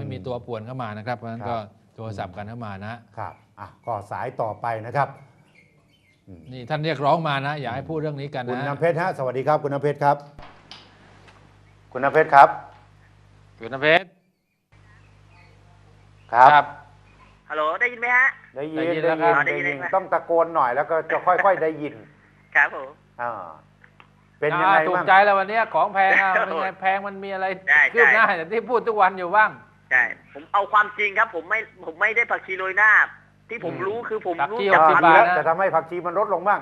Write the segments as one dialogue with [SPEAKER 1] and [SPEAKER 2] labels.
[SPEAKER 1] มีตัวป่วนเข้ามานะครับเพราะฉะนั้นก็โทรศัพท์กันเข้ามานะครับ
[SPEAKER 2] ก็สายต่อไปนะครับ
[SPEAKER 1] นี่ท่านเรียกร้องมานะอยากให้พูดเรื่องนี้กันนะ
[SPEAKER 2] คุณน้ำเพชรฮะสวัสดีครับคุณน้ำเพชรครับคุณน้ำเพชรครับ
[SPEAKER 1] คุณน้ำเพชร
[SPEAKER 2] ครับ
[SPEAKER 3] ฮัลโหลได้ยินไหมฮะ
[SPEAKER 2] ได้ยินต้องตะโกนหน่อยแล้วก็จะค่อยๆได้ยิน
[SPEAKER 3] ครับผม
[SPEAKER 2] เป็นยังไง
[SPEAKER 1] ถูกใจแล้ววันนี้ของแพงเป็นไงแพงมันมีอะไรคืบหน้าอย่างที่พูดทุกวันอยู่บ้าง
[SPEAKER 3] ใช่ผมเอาความจริงครับผมไม่ได้ผักชีโรยหน้าที่ผมรู้คือผมรู้
[SPEAKER 1] จาก
[SPEAKER 2] แล้วจะทำให้ผักชีมันลดลงบ้าง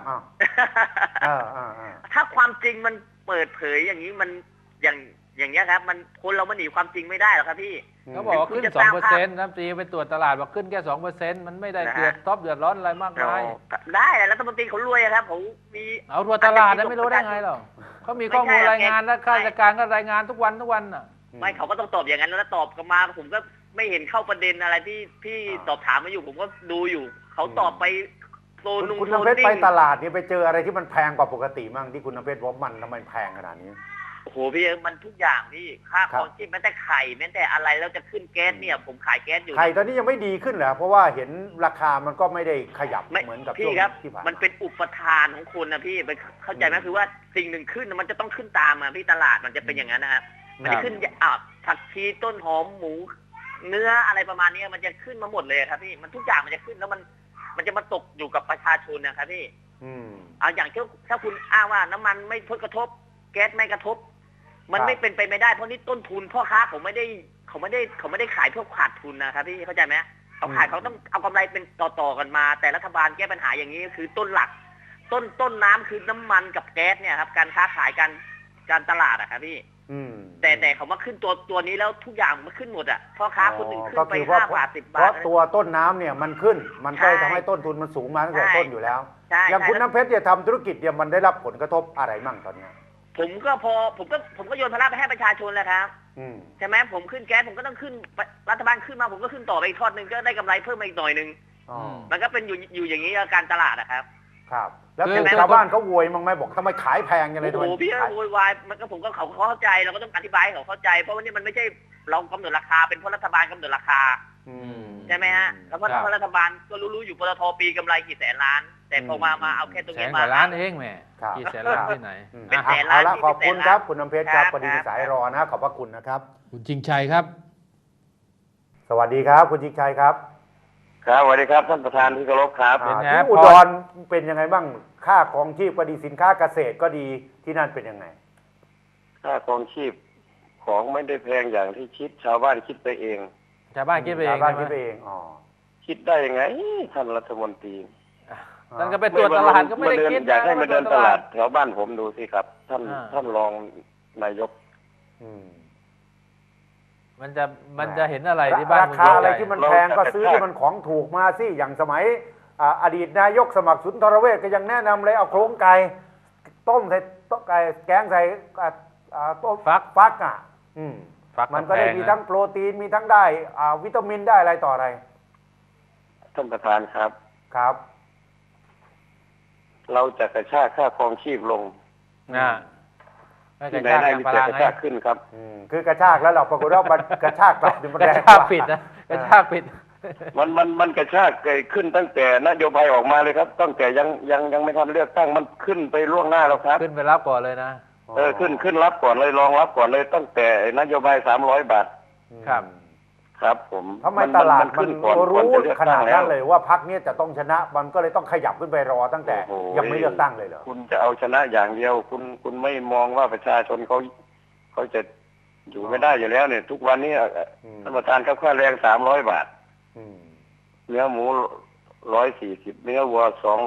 [SPEAKER 3] ถ้าความจริงมันเปิดเผยอย่างนี้มันอย่างเงี้ยครับมันคนเรามันหนีความจริงไม่ได้หรอกครับพี่
[SPEAKER 1] เขาบอกว่าขึ้น 2% น้ำตรีไปตรวจตลาดบอกขึ้นแค่ 2% มันไม่ได้เดือดร้อนอะไรมากมาย
[SPEAKER 3] ได้แต่รัฐมนตรีเขารวยครับผมมี
[SPEAKER 1] เอาตรวจตลาดไม่รู้ได้ไงหรอเขามีข้อมูลรายงานและข้าราชการก็รายงานทุกวันน่ะ
[SPEAKER 3] ไม่เขาก็ต้องตอบอย่างนั้นแล้วตอบกันมาผมก็ไม่เห็นเข้าประเด็นอะไรที่พี่ตอบถามมาอยู่ผมก็ดูอยู่เขาตอบไปโซนุ่ง
[SPEAKER 2] คุณน้ำเพชรไปตลาดนี่ไปเจออะไรที่มันแพงกว่าปกติมั่งที่คุณน้ำเพชรว่ามันทำไมแพงขนาดนี้
[SPEAKER 3] โอ้โหพี่มันทุกอย่างพี่ค่าของชีพแม้แต่ไข่แม้แต่อะไรแล้วจะขึ้นแก๊สเนี่ยผมขายแก๊สอยู่
[SPEAKER 2] ไข่ตอนนี้ยังไม่ดีขึ้นเหรอเพราะว่าเห็นราคามันก็ไม่ได้ขยับเหมือนกับช่วงที่ผ่าน
[SPEAKER 3] มันเป็นอุปทานของคนนะพี่เข้าใจไหมคือว่าสิ่งหนึ่งขึ้นมันจะต้องขึ้นตามมาพี่ตลาดมันจะเป็นอย่างนั้นนะครับมันจะขึ้นผักชีต้นหอมหมูเนื้ออะไรประมาณนี้มันจะขึ้นมาหมดเลยครับพี่มันทุกอย่างมันจะขึ้นแล้วมันจะมาตกอยู่กับประชาชนนะครับพี่เอาอย่างถ้าคุณอ้างว่าน้ำมันไม่ผลกระทบแก๊สไม่กระทบมันไม่เป็นไปไม่ได้เพราะนี่ต้นทุนพ่อค้าเขาไม่ได้ขายเพื่อขาดทุนนะครับพี่เข้าใจไหมเขาขายเขาต้องเอากำไรเป็นต่อกันมาแต่รัฐบาลแก้ปัญหาอย่างนี้คือต้นหลักต้นน้ำคือน้ำมันกับแก๊สเนี่ยครับการค้าขายการตลาดอะครับพี่แต่เขามาขึ้นตัวนี้แล้วทุกอย่างมันขึ้นหมดอะพ่อค้าคนหนึ่งขึ้นไป5 บาท 10 บาท
[SPEAKER 2] เพราะตัวต้นน้ำเนี่ยมันขึ้นมันก็ทำให้ต้นทุนมันสูงมาตั้งแต่ต้นอยู่แล้วอย่างคุณน้ำเพชรเนี่ยทำธุรกิจเนี่ยมันได้รับผลกระทบอะไรมั่งตอนนี้
[SPEAKER 3] ผมก็โยนภาระไปให้ประชาชนแล้วครับใช่ไหมผมขึ้นแก๊สผมก็ต้องขึ้นรัฐบาลขึ้นมาผมก็ขึ้นต่อไปอีกทอดนึงก็ได้กำไรเพิ่มมาอีกหน่อยนึงมันก็เป็นอยู่อย่างนี้การตลาดนะครับ
[SPEAKER 2] ครับแล้วชาวบ้านเขาโวยมั้งไหมบอกทำไมขายแพงยังไง
[SPEAKER 3] โอ้โหพี่โวยวายมันก็ผมก็เขาเข้าใจเราก็ต้องอธิบายให้เขาเข้าใจเพราะว่านี่มันไม่ใช่เรากำหนดราคาเป็นเพราะรัฐบาลกำหนดราคาใช่ไหมฮะแล้วเพราะรัฐบาลก็รู้อยู่ปตท.ปีกำไรกี่แสนล้านแต่พอมาเอาแค่ตรงนี้มา
[SPEAKER 1] ล้านเองแม่กี่แสนล้านที่ไหน
[SPEAKER 3] เป็นแสนล้าน
[SPEAKER 2] ขอบคุณครับคุณน้ำเพชรครับพอดีสายรอนะขอบพระคุณนะครับ
[SPEAKER 1] คุณจริงชัยครับ
[SPEAKER 2] สวัสดีครับคุณจริงชัยครับ
[SPEAKER 4] ครับสวัสดีครับท่านประธานที่เคารพครับ
[SPEAKER 2] ที่อุดรเป็นยังไงบ้างค่าครองชีพก็ดีสินค้าเกษตรก็ดีที่นั่นเป็นยังไง
[SPEAKER 4] ค่าครองชีพของไม่ได้แพงอย่างที่คิดชาวบ้านคิดไปเอง
[SPEAKER 1] ชาวบ้านคิดไปเอง
[SPEAKER 4] คิดได้ยังไงท่านรัฐมนตรี
[SPEAKER 1] ท่านก็ไปตรวจตลาดก็ไม่ได้คิด
[SPEAKER 4] อยากให้มาเดินตลาดแถวบ้านผมดูสิครับท่านรองนายก
[SPEAKER 1] มันจะเห็นอะไรที่บ้าน
[SPEAKER 2] ราคาอะไรที่มันแพงก็ซื้อที่มันของถูกมาสิอย่างสมัยอดีตนายกสมัครสุนทรเวชก็ยังแนะนำเลยเอาโครงไก่ต้มใส่ต้มไก่แกงใส่ต้มฟักมันก็ได้มีทั้งโปรตีนมีทั้งได้วิตามินได้อะไรต่ออะไร
[SPEAKER 4] ท่านประธานครับ
[SPEAKER 2] ครับ
[SPEAKER 4] เราจะกระชากค่าครองชีพลงที่ไหนได้มีแต่กระชากขึ้นครับ
[SPEAKER 2] คือกระชากแล้วเราปรากฏว่ามันกระชากกลับมันแรง
[SPEAKER 1] กว่าปิดนะกระชากปิด
[SPEAKER 4] มันกระชากขึ้นตั้งแต่นโยบายออกมาเลยครับตั้งแต่ยังไม่ทันเลือกตั้งมันขึ้นไปล่วงหน้าแล้วครับ
[SPEAKER 1] ขึ้นไปรับก่อนเลยนะ
[SPEAKER 4] ขึ้นรับก่อนเลยรองรับก่อนเลยตั้งแต่นโยบาย300 บาทครับผม
[SPEAKER 2] ทำไมตลาดมันรู้ขนาดนั้นเลยว่าพรรคนี้จะต้องชนะมันก็เลยต้องขยับขึ้นไปรอตั้งแต่ยังไม่เลือกตั้งเลยเหรอ
[SPEAKER 4] คุณจะเอาชนะอย่างเดียวคุณไม่มองว่าประชาชนเขาจะอยู่ไม่ได้อยู่แล้วเนี่ยทุกวันนี้ท่านประธานครับค่าแรง300 บาทเนื้อหมู140เนื้อวัว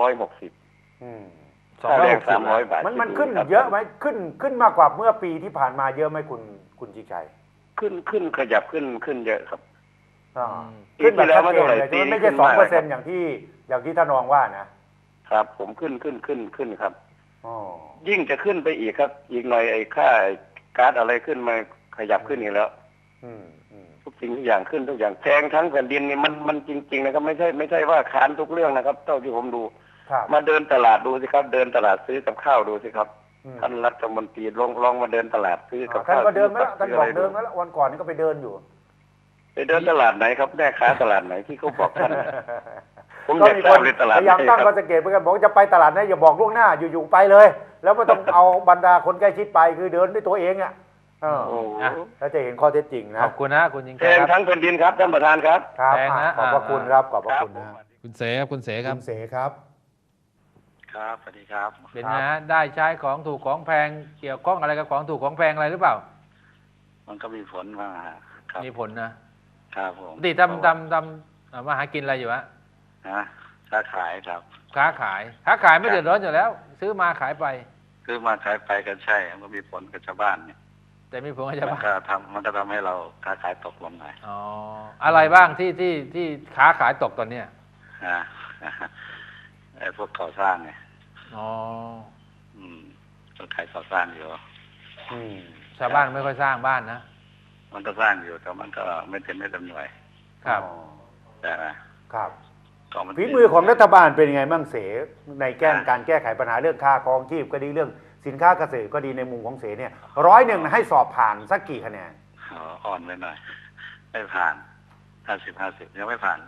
[SPEAKER 4] 260ค่าแรง300 บาท
[SPEAKER 2] มันขึ้นเยอะไหมขึ้นมากกว่าเมื่อปีที่ผ่านมาเยอะไหมคุณจิชัย
[SPEAKER 4] ขึ้นขยับขึ้นเยอะครับ
[SPEAKER 2] ขึ้นแบบชัดเจนเลยไม่ใช่2%อย่างที่ท่านรองว่า
[SPEAKER 4] นะครับผมขึ้นครับยิ่งจะขึ้นไปอีกครับอีกหน่อยไอ้ค่าก๊าซอะไรขึ้นมาขยับขึ้นอีกแล้วทุกสิ่งทุกอย่างขึ้นทุกอย่างแพงทั้งแผ่นดินนี่มันจริงๆนะครับไม่ใช่ว่าค้านทุกเรื่องนะครับเท่าที่ผมดูมาเดินตลาดดูสิครับเดินตลาดซื้อกับข้าวดูสิครับท่านรัฐมนตรีลองมาเดินตลาดซื้อกับข้าว
[SPEAKER 2] ท่านก็เดินมาแล้วท่านบอกเดินมาแล้ววันก่อนนี่ก็ไปเดินอยู่
[SPEAKER 4] ไปไปเดินตลาดไหนครับแม่ค้าตลาดไหนที่เขาบอกท่านผมอ
[SPEAKER 2] ก็
[SPEAKER 4] ยาก
[SPEAKER 2] มี
[SPEAKER 4] ท
[SPEAKER 2] ค
[SPEAKER 4] ราน บในตลาด
[SPEAKER 2] พยายาม
[SPEAKER 4] ไหน
[SPEAKER 2] ตั้ง
[SPEAKER 4] ค
[SPEAKER 2] ข้
[SPEAKER 4] รั
[SPEAKER 2] อบ สังเกตเหมือนกันบอกจะไปตลาดนะอย่าบอกล่วงหน้าอยู่ๆไปเลย แล้วไม่ต้องเอาบรรดาคนใกล้ชิดไปคือเดินด้วยตัวเองอ่ะ
[SPEAKER 4] โอ้โห
[SPEAKER 2] แล้วจะเห็นข้อเท็จจริงนะ
[SPEAKER 1] ขอบคุณนะคุณยิง
[SPEAKER 4] แพ
[SPEAKER 1] แค่
[SPEAKER 4] ง
[SPEAKER 1] ครับ
[SPEAKER 4] ทั้งแผ่นดินครับท่านประธานครับ
[SPEAKER 2] ครับ
[SPEAKER 1] แพงนะ
[SPEAKER 2] ขอบพระคุณครับขอบพระคุณนะ
[SPEAKER 1] คุณเสครับคุณเสครับ
[SPEAKER 2] คุณเสครับ
[SPEAKER 4] ครับสวัสดีครับ
[SPEAKER 1] เป็นไงฮะได้ใช้ของถูกของแพงเกี่ยวข้องอะไรกับของถูกของแพงอะไรหรือเปล่า
[SPEAKER 4] มันก็มีผลมาครับ
[SPEAKER 1] มีผลนะครับ
[SPEAKER 4] ผม
[SPEAKER 1] ปกติทำมาหากินอะไรอยู่ฮะ
[SPEAKER 4] นะค้าขายครับ
[SPEAKER 1] ค้าขายไม่เดือดร้อนอยู่แล้ว ซื้อมาขายไป
[SPEAKER 4] คือมาขายไปกันใช่มันก็มีผลกับชาวบ้านเนี่ย
[SPEAKER 1] แต่มีผลกับ
[SPEAKER 4] มั
[SPEAKER 1] ชาวบ้าน
[SPEAKER 4] มันก็ทำให้เราค้าขายตกลงหน่อย
[SPEAKER 1] อ๋ออะไรบ้างที่ค้าขายตกตอนเนี้ย
[SPEAKER 4] นะ ไอ้พวกก่อสร้างไง
[SPEAKER 1] อ๋อ
[SPEAKER 4] ก็ขายก่อสร้างอยู่
[SPEAKER 1] ชาวบ้านไม่ค่อยสร้างบ้านนะ
[SPEAKER 4] มันก็สร้างอยู่แต่มันก็ไม่เต็มไม่เต็มหน่วย
[SPEAKER 1] ครับ
[SPEAKER 4] แต่นะครับ ก็มัน
[SPEAKER 2] ฝีมือของรัฐบาลเป็นยังไงบ้างเสในการแก้ไขปัญหาเรื่องค่าครองชีพก็ดีเรื่องสินค้าเกษตรก็ดีในมุมของเสเนี่ย100ให้สอบผ่านสักกี่คะแนน
[SPEAKER 4] อ่อนไปหน่อย ไม่ผ่าน50ยังไม่ผ่าน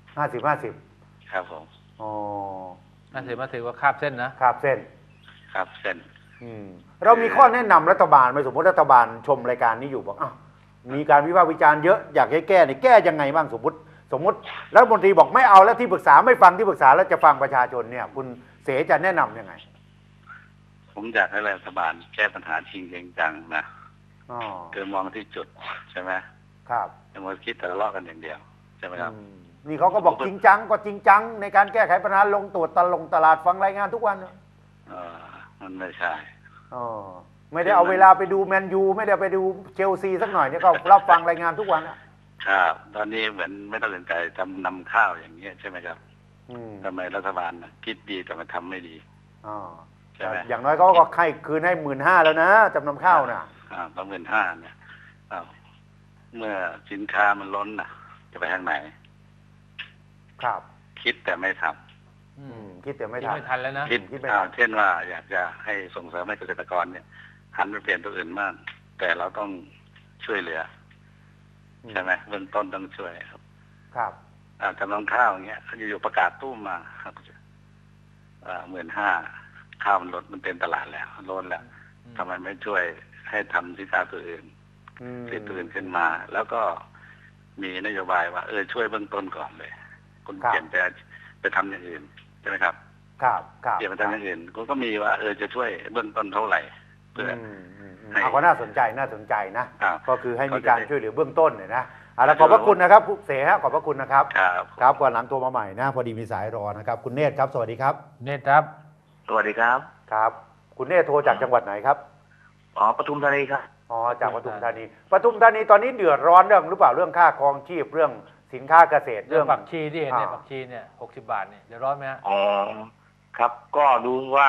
[SPEAKER 2] 50
[SPEAKER 4] ครับผม
[SPEAKER 2] อ๋อ
[SPEAKER 1] น่าถือว่าคาบเส้นนะ
[SPEAKER 2] ครับเส้น
[SPEAKER 4] ครับเส้น
[SPEAKER 2] เรามีข้อแนะนำรัฐบาลไหมสมมติรัฐบาลชมรายการนี้อยู่บอกอ้าวมีการวิพากษ์วิจารณ์เยอะอยากให้แก้เนี่ยแก้ยังไงบ้างสมมติรัฐมนตรีบอกไม่เอาแล้วที่ปรึกษาไม่ฟังที่ปรึกษาแล้วจะฟังประชาชนเนี่ยคุณเสจะแนะนำยังไง
[SPEAKER 4] ผมอยากให้รัฐบาลแก้ปัญหาจริงจังนะ
[SPEAKER 2] อ๋อ
[SPEAKER 4] คือมองที่จุดใช่ไหม
[SPEAKER 2] ครับ
[SPEAKER 4] อย่ามาคิดแต่ละเลาะกันอย่างเดียวใช่ไหมครับ
[SPEAKER 2] นี่เขาก็บอกจริงจังก็จริงจังในการแก้ไขปัญหาลงตรวจตลาดฟังรายงานทุกวัน
[SPEAKER 4] มันไม่ใช่
[SPEAKER 2] อ๋อไม่ได้เอาเวลาไปดูแมนยูไม่ได้ไปดูเชลซีสักหน่อยเนี่ยก็รับฟังรายงานทุกวันอะ
[SPEAKER 4] ครับตอนนี้เหมือนไม่ต้องสนใจทำนำข้าวอย่างเงี้ยใช่ไหมครับทำไมรัฐบาลคิดดีแต่มันทำไม่ดี
[SPEAKER 2] อ๋อ
[SPEAKER 4] ใช่ไหม
[SPEAKER 2] อย่างน้อยเขาก็ให้คืนให้15,000แล้วนะจำนำข้าวน่ะ
[SPEAKER 4] 15,000เนี่ยเมื่อสินค้ามันล้นจะไปทางไหน
[SPEAKER 2] ครับ
[SPEAKER 4] คิดแต่ไม่ท
[SPEAKER 2] คิดแต่ไม่
[SPEAKER 1] คิด
[SPEAKER 2] ทัน
[SPEAKER 1] ไม่ทันแล้วนะ
[SPEAKER 4] ำคิดเช่นว่าอยากจะให้ส่งเสริมให้เกษตรกรเนี่ยหันไปเปลี่ยนตัวอื่นบ้างแต่เราต้องช่วยเหลือใช่ไหมเบื้องต้นต้องช่วยครับ
[SPEAKER 2] ครับ
[SPEAKER 4] จำนำข้าวอย่างเงี้ยอยู่ๆประกาศตู้มมา15,000ข้าวมันลดมันเต็มตลาดแล้วล้นแล้วทำไมไม่ช่วยให้ทำสินค้าตัวอื่นผลิตตัวอื่นขึ้นมา แล้วก็มีนโยบายว่าช่วยเบื้องต้นก่อนเลยคุณเปลี่ยนไปทำอย่างอื่นใช่ไหมครับ
[SPEAKER 2] ครับ
[SPEAKER 4] เปลี่ยนไปทำอย่างอื่นคุณก็มีว่าจะช่วยเบื้องต้นเท่าไหร่เพื่อให้
[SPEAKER 2] ก็น่าสนใจนะ
[SPEAKER 4] ครับ
[SPEAKER 2] ก็คือให้มีการช่วยเหลือเบื้องต้นเนี่ยนะแล้วขอบพระคุณนะครับผู้เสฮะขอบพระคุณนะครับ ครับก่อนหลังโทรมาใหม่นะพอดีมีสายรอนะครับคุณเนตรครับสวัสดีครับ
[SPEAKER 1] เนตรครับ
[SPEAKER 4] สวัสดีครับ
[SPEAKER 2] ครับ คุณเนตรโทรจากจังหวัดไหนครับ
[SPEAKER 4] ปทุมธานีครับ
[SPEAKER 2] จากปทุมธานีตอนนี้เดือดร้อนเรื่องหรือเปล่าเรื่องค่าครองชีพเรื่องสินค้าเกษตร
[SPEAKER 1] เรื่องผักชีที่เห็นเนี่ยผักชีเนี่ย60 บาทเนี่ยเดี๋ยวร้อนไหมฮะ
[SPEAKER 5] ครับก็ดูว่า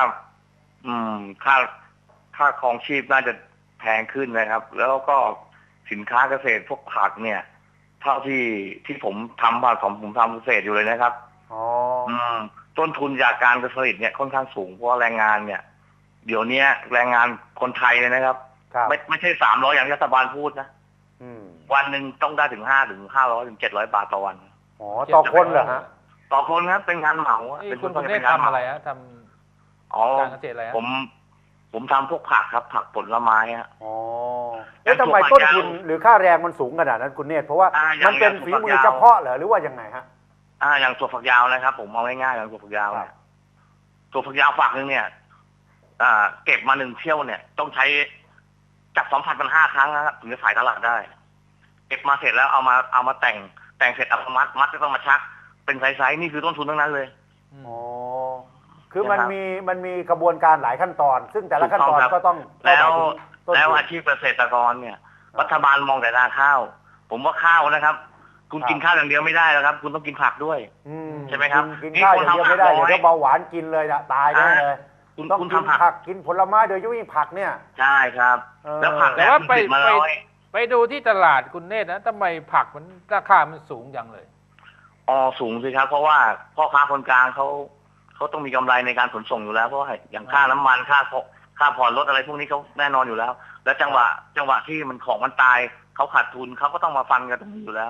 [SPEAKER 5] ค่าครองชีพน่าจะแพงขึ้นนะครับ แล้วก็สินค้าเกษตรพวกผักเนี่ยเท่าที่ผมทำผมทำเกษตรอยู่เลยนะครับต้นทุนจากการเกษตรเนี่ยค่อนข้างสูงเพราะแรงงานเนี่ยเดี๋ยวนี้แรงงานคนไทยเลยนะครับไม่ใช่300อย่างที่รัฐบาลพูดนะวันหนึ่งต้องได้ถึง500 ถึง 700 บาทต่อวัน
[SPEAKER 2] ต่อคนเหรอฮะ
[SPEAKER 5] ต่อคนครับเป็นงานเหมา
[SPEAKER 1] คุณเนตรทำอะไรฮะทำการเกษตรอะไรฮะ
[SPEAKER 5] ผมทำพวกผักครับผักผลไม้ฮะ
[SPEAKER 2] แล้วทำไมต้นทุนหรือค่าแรงมันสูงขนาดนั้นคุณเนตรเพราะว่ามันเป็นฝีมือเฉพาะเหรอหรือว่ายังไงฮะ
[SPEAKER 5] อย่างถั่วฝักยาวนะครับผมเอาง่ายๆอย่างถั่วฝักยาวเนี่ยถั่วฝักยาวฝักนึงเนี่ยเก็บมา1 เที่ยวเนี่ยต้องใช้จับ2,500 ครั้งนะครับถึงจะขายตลาดได้เก็บมาเสร็จแล้วเอามาแต่งเสร็จเอามัดก็ต้องมาชักเป็นไซส์นี่คือต้นทุนทั้งนั้นเลย
[SPEAKER 2] คือมันมีกระบวนการหลายขั้นตอน ซึ่งแต่ละขั้นตอนก็ต้อง
[SPEAKER 5] แล้วอาชีพเกษตรกรเนี่ยรัฐบาลมองแต่นาข้าวผมว่าข้าวนะครับคุณกินข้าวอย่างเดียวไม่ได้แล้วครับคุณต้องกินผักด้วยใช่ไหมครับ
[SPEAKER 2] กินข้าวอย่างเดียวไม่ได้เดี๋ยวเบาหวานกินเลยนะตายแน่เลย
[SPEAKER 5] คุณ
[SPEAKER 2] ต้องกินผักกินผลไม้โดยเฉพาะผักเนี่ย
[SPEAKER 5] ใช่ครับแล้วผัก
[SPEAKER 1] แต่ว่าไปดูที่ตลาดคุณเนตรนะทำไมผักมันราคามันสูงจังเลย
[SPEAKER 5] สูงสิครับเพราะว่าพ่อค้าคนกลางเขาต้องมีกำไรในการขนส่งอยู่แล้วเพราะอย่างค่าน้ำมันค่าผ่อนรถอะไรพวกนี้เขาแน่นอนอยู่แล้วแล้วจังหวะที่มันของมันตายเขาขาดทุนเขาก็ต้องมาฟันกันตรงนี้อยู่แล้ว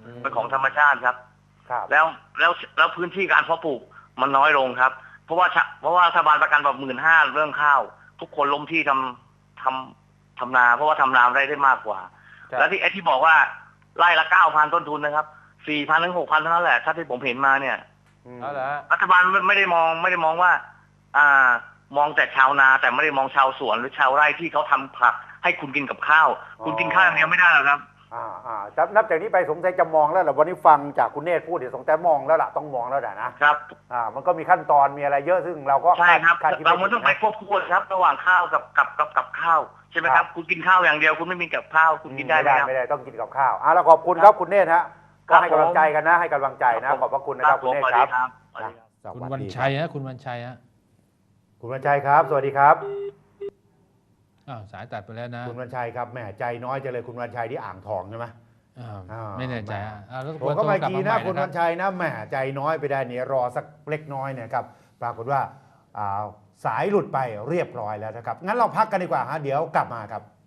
[SPEAKER 5] เป็นของธรรมชาติครับ
[SPEAKER 2] ครับ
[SPEAKER 5] แล้วพื้นที่การเพาะปลูกมันน้อยลงครับ เพราะว่ารัฐบาลประกันแบบ15,000เรื่องข้าว ทุกคนล้มที่ทำนา เพราะว่าทำนาได้มากกว่า แล้วที่ที่บอกว่าไร่ละ 9,000 ต้นทุนนะครับ 4,000 ถึง 6,000 เท่านั้นแหละถ้าที่ผมเห็นมาเนี่ย
[SPEAKER 1] เอาละ
[SPEAKER 5] รัฐบาลไม่ได้มองว่า มองแต่ชาวนาแต่ไม่ได้มองชาวสวนหรือชาวไร่ที่เขาทำผักให้คุณกินกับข้าว คุณกินข้าวอย่างเดียวไม่ได้หรอกครับ
[SPEAKER 2] นับจากนี้ไปสงสัยจะมองแล้วแหละวันนี้ฟังจากคุณเนตรพูดเดี๋ยวสงสัยมองแล้วล่ะต้องมองแล้วแหละนะครับ มันก็มีขั้นตอนมีอะไรเยอะซึ่งเราก็
[SPEAKER 5] ใช่ครับ
[SPEAKER 2] คาดคิด
[SPEAKER 5] เรา
[SPEAKER 2] ไม่
[SPEAKER 5] ต้องไป
[SPEAKER 2] ถึง
[SPEAKER 5] ควบคู่ครับ ระหว่างข้าวกับข้าวใช่ไหมครับ คุณกินข้าวอย่างเดียวคุณไม่มีกับข้าวคุณกินได้ไหมครับ
[SPEAKER 2] ไม่ได้ต้องกินกับข้าวแล้วขอบคุณครับคุณเนตรฮะก็ให้กำลังใจกันนะให้กำลังใจนะขอบพระคุณนะครับคุณเนตรครับ
[SPEAKER 1] คุณวันชัยฮะคุณวันชัยฮะ
[SPEAKER 2] คุณวันชัยครับสวัสดีครับ
[SPEAKER 1] สายตัดไปแล้วนะ
[SPEAKER 2] คุณวันชัยครับแหมใจน้อยจังเลยคุณวันชัยที่อ่างทองใช่ไหม
[SPEAKER 1] ไม่แน่ใจแล้ว
[SPEAKER 2] ผมก็มากีนะคุณ
[SPEAKER 1] วั
[SPEAKER 2] วันชัยนะแหมใจน้อยไปได้เนี่ยรอสักเล็กน้อยเนี่ยครับปรากฏว่าสายหลุดไปเรียบร้อยแล้วนะครับงั้นเราพักกันดีกว่าฮะเดี๋ยวกลับมาครับ